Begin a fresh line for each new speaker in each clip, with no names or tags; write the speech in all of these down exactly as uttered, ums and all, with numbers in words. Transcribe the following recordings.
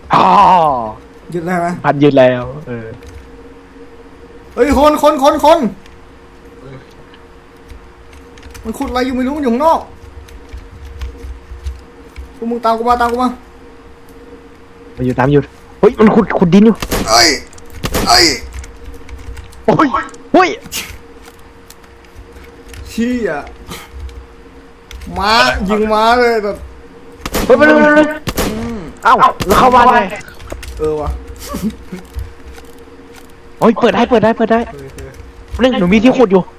อ๋อ
ยึดได้ไหม
พันยืนแล้วเออ
เฮ้ยคนคนคนคนมันขุดอะไรอยู่ไม่รู้มันอยู่ข้างนอกพวกมึงตามกูมาตามกูมา
มันอยู่ตามอยู่เฮ้ยมันขุดขุดดินอยู่
ไอ้ไอ้
โอ้ยเฮ้ย
เชี่ยม้ายิงม้าเลยแต่
เฮ้ยไปเลยไปเลยเอ้าแล้วเข้าบ้านไง
เออวะ
โอ้ยเปิดได้เปิดได้เปิดได้เรื่องหนูมีที่ขุดอยู่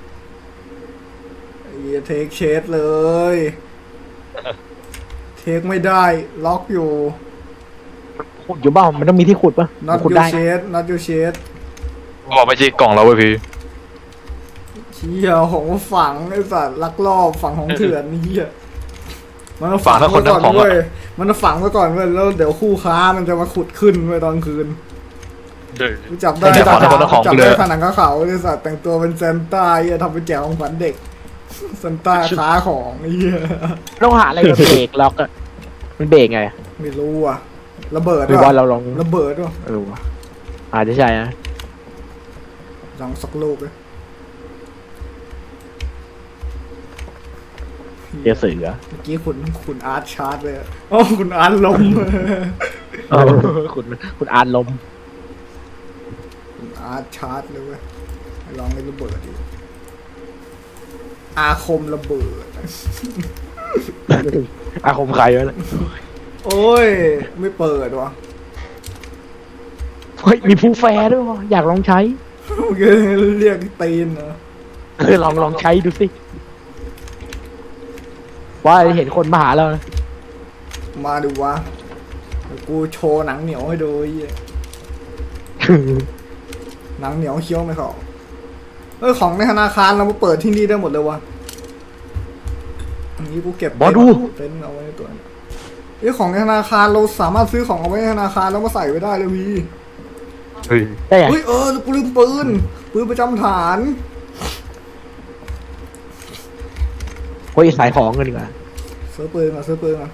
ไอ้เทคเชดเลยเทคไม่ได้ล็อกอยู่
ขุดอยู่บ้างมันต้องมีที่ขุดปะ
not
ขุด
your
ได้
shade not your shade
บอกไม่ใช่กล่องเราเว้ยพี่
เชี่ยของฝังไอ้สัตว์ลักลอบฝังของเถื่อนนี่เหี้ยมันฝังไว้ก่อนเว้ยมันฝังไว้ก่อนเว้ยแล้วเดี๋ยวคู่ค้ามันจะมาขุดขึ้นไว้ตอนคืนจับได้จับได้ขนาดเขาไอ้สัตว์แต่งตัวเป็นเซนต้าเหี้ยทำเป็นแจกของขวัญเด็กเซนต้าค้าของไอ้เหี้ย
ต้องหาอะไรมาเบรกล็อกอะมันเบรกไง
ไม่รู้อ่ะระเบิด
หรือว่าเราลอง
ระเบิดด้วย
เออวะอาจจะใช่นะ
ลองสักลูกเลย
เดี๋ยวสื่อ
เมื่อกี้คุณคุณอาร์ตชาร์จเลยอ๋อคุณอาร์ตลม
คุณคุณอาร์ตลม
คุณอาร์ตชาร์จเลยเว้ยลองเล่นระเบิดดิอาคมระเบิด
อาคมใครวะเนี่ย
โอ้ยไม่เปิดวะ
เฮ้ยมีผู้แฟร์ด้วยวะอยากลองใช้
โอเคเรียกตีนเหรอ
เออลองลองใช้ดูสิว่าเห็นคนมาหาเรา
มาดูวะกูโชว์หนังเหนียวให้ดูไอ้หนังเหนียวเคี้ยวไม่เข้าเออของในธนาคารเรามาเปิดที่นี่ได้หมดเลยวะอันนี้กูเก็บบอดูเต็นเอาไว้ในตัวไอ้ของในธนาคารเราสามารถซื้อของเอาไว้ในธนาคารแล้วมาใส่ไว้ได้เลยพี่
เฮ้ย
เฮ้ยเออกูลืมปืนปืนประจำฐาน
เฮ้ยสายของกันดีกว่า
ซื้อปืนมาซื้อปืนมา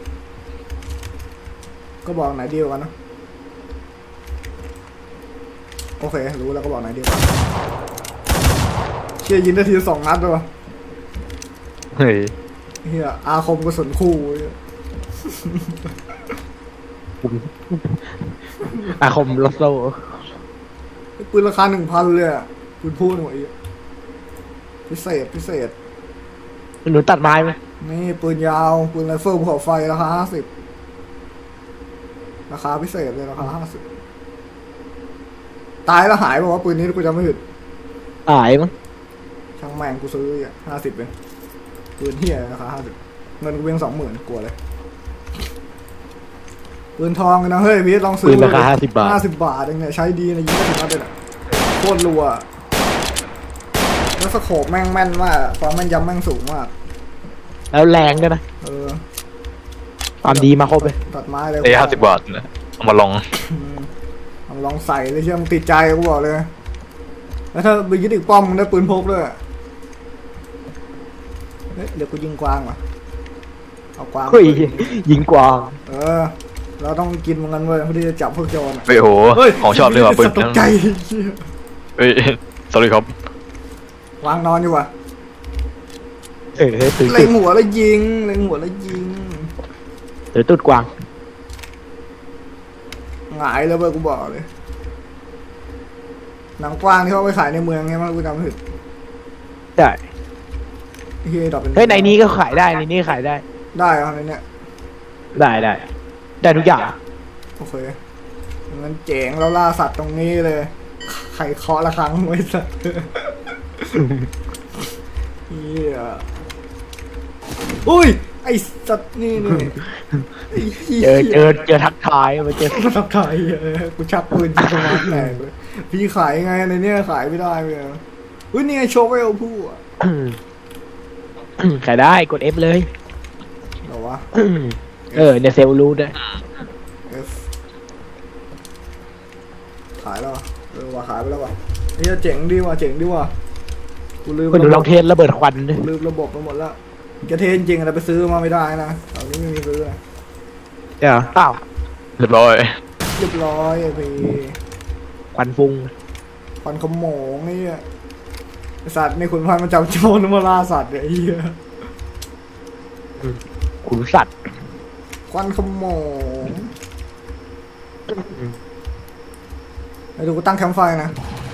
ก็บอกไหนเดียวกันนะโอเครู้แล้วก็บอกไหนเดียวกันเชี่ยยิงได้ทีสองนัดเลยวะ
เฮ้ย
เฮียอาคมกระสุนคู่
อาคมลอสโซ่
ปืนราคาหนึ่งพันเลยอ่ะปืนพูดหน่อยพิเศษพิเศษ
หนูตัดไม้ไหม
นี่ปืนยาวปืนไรเฟิลภูเขาไฟราคาห้าสิบราคาพิเศษเลยราคาห้าสิบตายแล้วหายบอกว่าปืนนี้กูจำไม่ผิด
หายมั้ง
ช่างแม่งกูซื้ออ่ะห้าสิบเป็นปืนเฮียราคาห้าสิบเงินกูเพียงสองหมื่นกลัวเลยปืนทองนะเฮ้ยพี่ลองซื้อ
ปืนราคาห้าสิบบาท
ห้าสิบบาทเองเนี่ยใช้ดีนะยิงถึงนัดเลยโคตรรัวแล้วสโคปแม่งแม่นมากความแม่นยำแม่งสูงมาก
แล้วแรงด้วยนะ
เออ
ความดีมาครบเลย
ตัดไม้เลย
ไอ้ห้าสิบบาทนะเอามาลอง
เอาลองใส่เลยเชื่อมึงติดใจกูบอกเลยแล้วถ้าไปยึดอีกป้อมมึงได้ปืนพกด้วยเดี๋ยวกูยิงกวางว่ะเอากวาง
ยิงกวาง
เออเราต้องกินมันเว้ยเพื่อที่จะจับพวกโจร
เฮ้ยโหของชอบเลยว่ะปืน
ตกใจ
เฮ้ยสวัสดีครับ
วางนอนอยู่ว่ะ
เออตื่น
เล็งหัวแล้วยิงเล็งหัวแล้วยิง
เดี๋ยวตุ๊ดกวาง
หงายแล้วเว้ยกูบอกเลยหนังกวางที่เขาไปขายในเมืองไงมันกูจำไม่ผิด
ได้
เฮ้ยดอกเป็น
เฮ้ยในนี้ก็ขายได้ในนี้ขายได้
ได้เหรอในเนี้ย
ได้ได้ได้ทุกอย่าง
โอเคงั้นเจ๋งแล้วล่าสัตว์ตรงนี้เลยไข่เคาะละครั้งไว้สัตว์เฮียอุ้ยไอสัตว์นี่นี่
เจอเจอเจอทักทายมาเจอ
ทักทายกูชักปืนยิงสมาร์ทแตกเลยพี่ขายไงในเนี้ยขายไม่ได้เลยอุ้ยนี่ไงโชว์ไว้เอาผู้อ่ะ
ขายได้กด F เลย
เหรอวะ
เออเนี่ยเซลล์รู้ด้วย
F ขายแล้วเออว่าขายไปแล้วว่ะนี่เจ๋งดีว่ะเจ๋งดีว่ะกูลืม
ไปดูลองเทสระเบิดควันดิ
ลืมระบบไปหมดแล้วจะเทสจริงแต่ไปซื้อมาไม่ได้นะตอนนี้ไม่มีซื้อ
เดี๋ยวอ้าว
เรียบร้อย
เรียบร้อยไอ้พี่
ควันฟุ้ง
ควันขโมงไอ้เหี้ยไอ้สัตว์ในขุนพันธุ์มันจับโจรมาล่าสัตว์เนี่ยไอ้เหี้ย
ขุนสัตว์
ควันขโมงไอ้ดูกูตั้งแคมป์ไฟนะ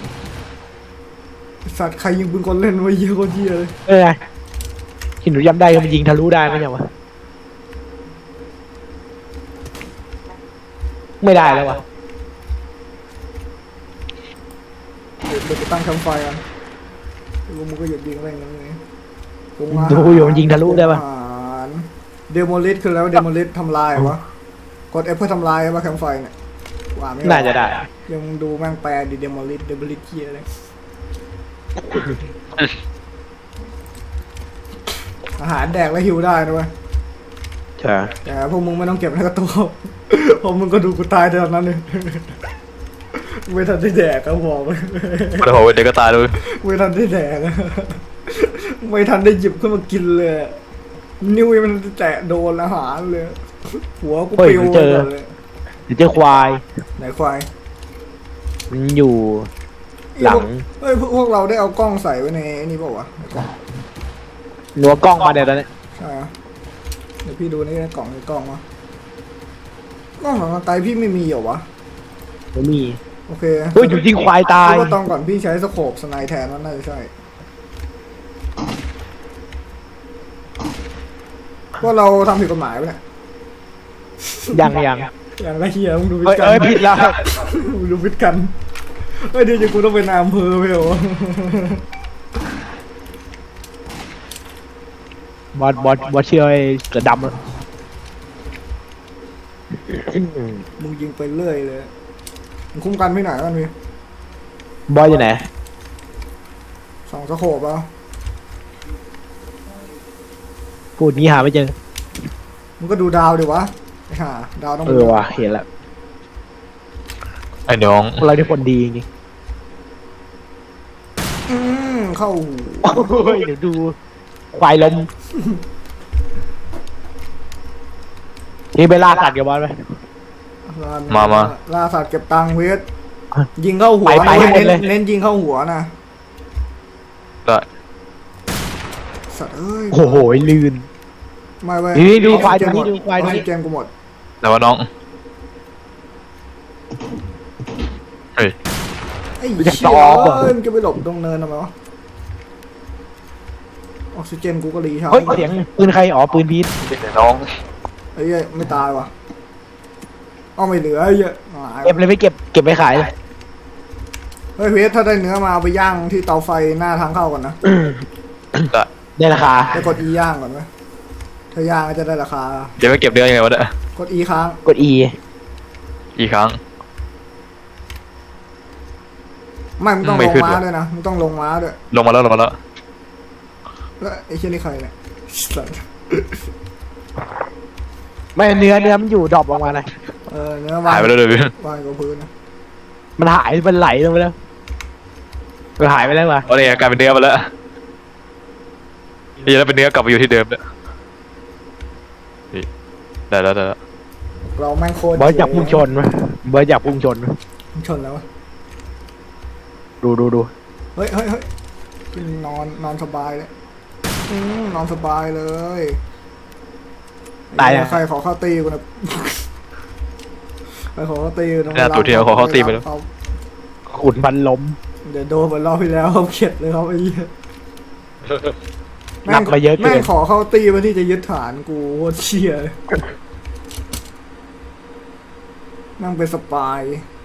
ไอ้สัตว์ใครยิงปืนกลเล่นไว้เหี้ยโคตรเหี้ยเลย
เออหินหนูย้ำได้ก็มันยิงทะลุได้ไหมเนี่ยวะไม่ได้แล้ววะ
เดี๋ยวเดี๋ยวไปตั้งแคมป์ไฟกันแล้วมึงก็หยุดยิงอะไรอย่างเงี้ย
ดูอยู่มันยิงทะลุได้ปะ
เดโมลิสคือแล้วเดโมลิสทำลายวะกด F เพื่อทำลายว่าแคมป์ไฟเนี่ยว่าไม่ออก
น่าจะได้
ยังดูแม่งแปลดิเดโมลิสเดโมลิสเกียอะไรอาหารแดกแล้วหิวได้นะเว้ย
ใช่
แต่พวกมึงไม่ต้องเก็บในกระตู้ เพราะมึงก็ดูกูตายเท่านั้นเอง ไม่ทันได้แดกก็บอกเลย
โอ้โหเด็กก็ตายเลย
ไม่ทันได้แดก ไม่ทันได้หยิบขึ้นมากินเลย นิ้วมันแตะโดนอาหารเลย หัวกูปิวไปหมดเลย
เดี๋ยวเจอควาย
ไหนควาย
มันอยู่หลัง
เฮ้ยพวกเราได้เอากล้องใส่ไว้ในนี่เปล่าวะในกล่อง
หนัวกล้องมาเดี๋ยวตอนนี้
ใช่เหรอเดี๋ยวพี่ดูในกล่องในกล่องวะกล้องของไกลพี่ไม่มีเหรอวะ
ไม่มี
โอเค
เฮ้ยอยู่จริงควายตาย
คิดว่าตอนก่อนพี่ใช้สโคปสไนแทนว่าน่าจะใช่ว่าเราทำผิดกฎหมายไปเนี่ย
ยังยัง
อย่างไรเฮียมึงดูวิ
เอ้ย
ทย์กัน
เอ้ยผิดแล้ว
มึงดูวิทย์กันเฮ้ยเดี๋ยวจะกูต้องเป็นนายอำเภอไปเหรอบ
อสบอสบอสเชื่อไอ้เสือดำอะ
มึงยิงไปเรื่อยเลยมึงคุ้มกันไม่ไหนมันพี่
บอสอยู่ไหน
สองสโคปแล้ว
พูดงี้หาไม่เจอ
มึงก็ดูดาวดิวะไอ้ห่าดาวต้อง
เออว่ะเห็นแล้ว
ไอ้น้อง
พวกเราที่คนดีจริง
อืมเข้าหู
ๆเฮ้ยเดี๋ยวดูควายลมนี่ไปล่าสัตว์กับบอสไหม
มามา
ล่าสัตว์เก็บตังค์เวทยิงเข้าหัว
ไปไปให้หมดเลย
เน้นเน้นยิงเข้าหัวนะ
ได้
สัตว์เอ้ย
โอ้โหลื่น
ไม่เว้ย
นี่ดูควาย
เกมหม
ดูควายดู
เกมกูหมด
แต่ว่าน้องเฮ้ย
ไอ้เชี่ยเอ้ยมันจะไปหลบตรงเนินทำไมวะออกซิเจนกูก็รีชาร์
เฮ้ย
จ
เสียงปืนใครอ๋อปืนพีท
ไอ้น้อง
ไอ้เหี้ยไม่ตายวะเอาไม่เหลือไอ้เหี้ยหาย
เก็บเลยไม่เก็บเก็บไปขายเลย
เฮ้ยเวทถ้าได้เนื้อมาเอาไปย่างที่เตาไฟหน้าทางเข้าก่อนนะ
ได้
ได้ราคา
ไปกด E ย่างก่อนไหมถ้าย่างก็จะได้ราคา
เดี๋ยวไปเก็บเนื้อยังไงวะเนี่ย
กด E ค้าง
กด E
อีกครั้ง
ไม่มึงต้อง
ไม่
ลง
ขึ้น
ม้า
ว่ะ
ด้วยนะมึงต้องลงม้าด้วย
ลงมาแล้วลงมาแล้ว
แล้วไอ้เชี่ยนี่ใครเนี่ยสัตว์
ไม่เนื้อเนื้อมันอยู่ดรอปออกมาเลย
เออเนื้อวาง
หายไปแล้วเลยพี่
วางกับพื้นนะ
มันหายมันไหลลงไปแล้วมันหายไปแล้วเหรอ
เอาเนี่ยกลายเป็นเนื้อมาแล้วนี่แล้วเป็นเนื้อกลับมาอยู่ที่เดิมเนี่ยนี่ได้แล้วได้แล้ว
เราแม่งโคตร
บอสอยากพุ่งชนไหมบอสอยากพุ่งชนไหม
พุ่งชนแล้ววะ
ดูดูดู
เฮ้ยเฮ้ยเฮ้ยนอนนอนสบายเลยอืมนอนสบายเลย
ตาย
ไอ้
อ่ะ
เหี้ยใครขอเข้าตีกูนะ ใครขอเข้าตีกูนะ
หน้าตัวที่เราขอเข้าตีไปแล้ว
เขา
ขุนพันล้ม
เดี๋ยวโดนเหมือนรอบที่แล้วเขาเข็ดเลยครับไอ้เหี้ย
หนักมาเยอะเกิน
แม่งขอเข้าตีมาที่จะยึดฐานกูโคตรเชี่ยเลยแม่งเป็นสปาย